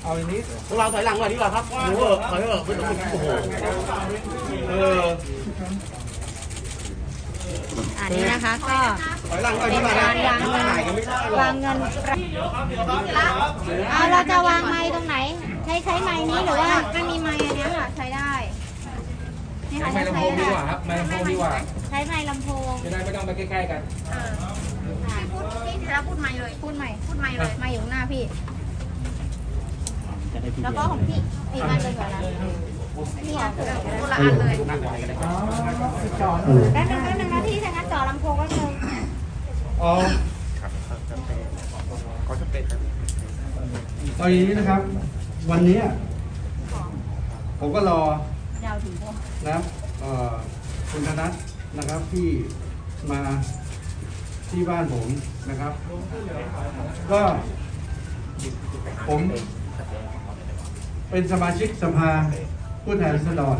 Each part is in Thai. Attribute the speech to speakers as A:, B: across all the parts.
A: เอาอย่างนี้
B: พวกเราถอยหลังก่อนดีกว่าครับโอ้โหถอยเถอะไม่ต้องโอ้โห
C: อันนี้นะคะก็
B: ถอยหลังก่อน
C: เป็
B: ดี
C: น
B: กว่า
C: การวางเงินเอาเราจะวางไม้ตรงไหนใช้ไม้นี้หรือว่ามันมีไม้อันนี้ค่ะใช้ได้นี่ค่ะ
A: ไม้ลำโพงดีกว่าครับไม้ลำโพงดีกว่า
C: ใช้ไม้ลำโพง
A: จะได้ไม่ต้องไปใกล้ๆกัน
C: พี่ธีระพูดไม้เลยพูดไม้เลยไม้อยู่ข้างหน้าพี่แล้วก็ของพี่อีกอันเลยก่อนนะนี่อ่ะคนละอันเลยแป๊บนึงนะพี่ถ้างั้นต่อลำโพงก็เลย
A: อ๋อเอาอย่างนี้นะครับ วันนี้ผมก็รอ
C: ยาวถึงพวก
A: นะครับคุณธนัทนะครับที่มาที่บ้านผมนะครับ ก็ผมเป็นสมาชิกสภาผู้แทนราษฎร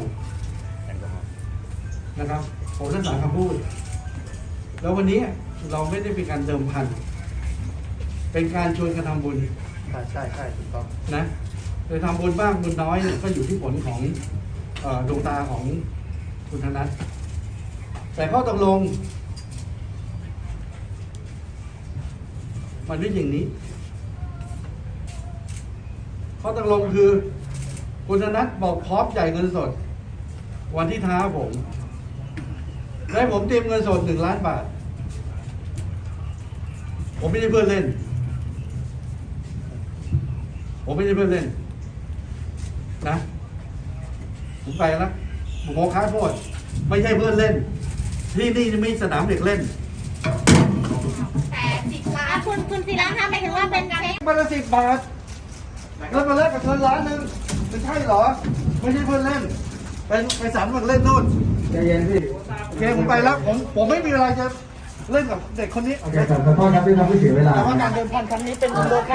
A: นะครับ ผมรักษาคำพูด แล้ววันนี้เราไม่ได้เป็นการเดิมพัน เป็นการชวนกันทำบุญ
B: ใช่ถูกต้อง
A: นะโดยทำบุญบ้างบุญน้อยเนี่ยก็อยู่ที่ผลของดวงตาของคุณธนัทแต่ข้อตกลงมันไม่อย่างนี้ข้อตกลงคือคุณธนัทบอกพร้อมจ่ายเงินสด วันที่ท้าผมและผมเตรียมเงินสด1 ล้านบาทผมไม่ได้เพื่อนเล่นนะผมไปแล้วผมขอค้าโทษไม่ใช่เพื่อนเล่นที่นี่ไม่สนามเด็กเล่น
C: แต่10 ล้านคุณศิระคะหมายถึงว่าเป็นเช็ค
A: มาละ10 บาทแล้วมาแลกกับเงิน1 ล้านไม่ใช่เหรอไม่ใช่เพื่อนเล่นไปสามเล่นนู่นใจเย็นพี่โอเคผมไปแล้วผมไม่มีอะไรจะเล่นกับเด็กคนนี้
D: โอเคขอโทษครับที่ทำให้เสียเวลา
A: แต่ว่าการเดินพันครั้งนี้เป็นโลก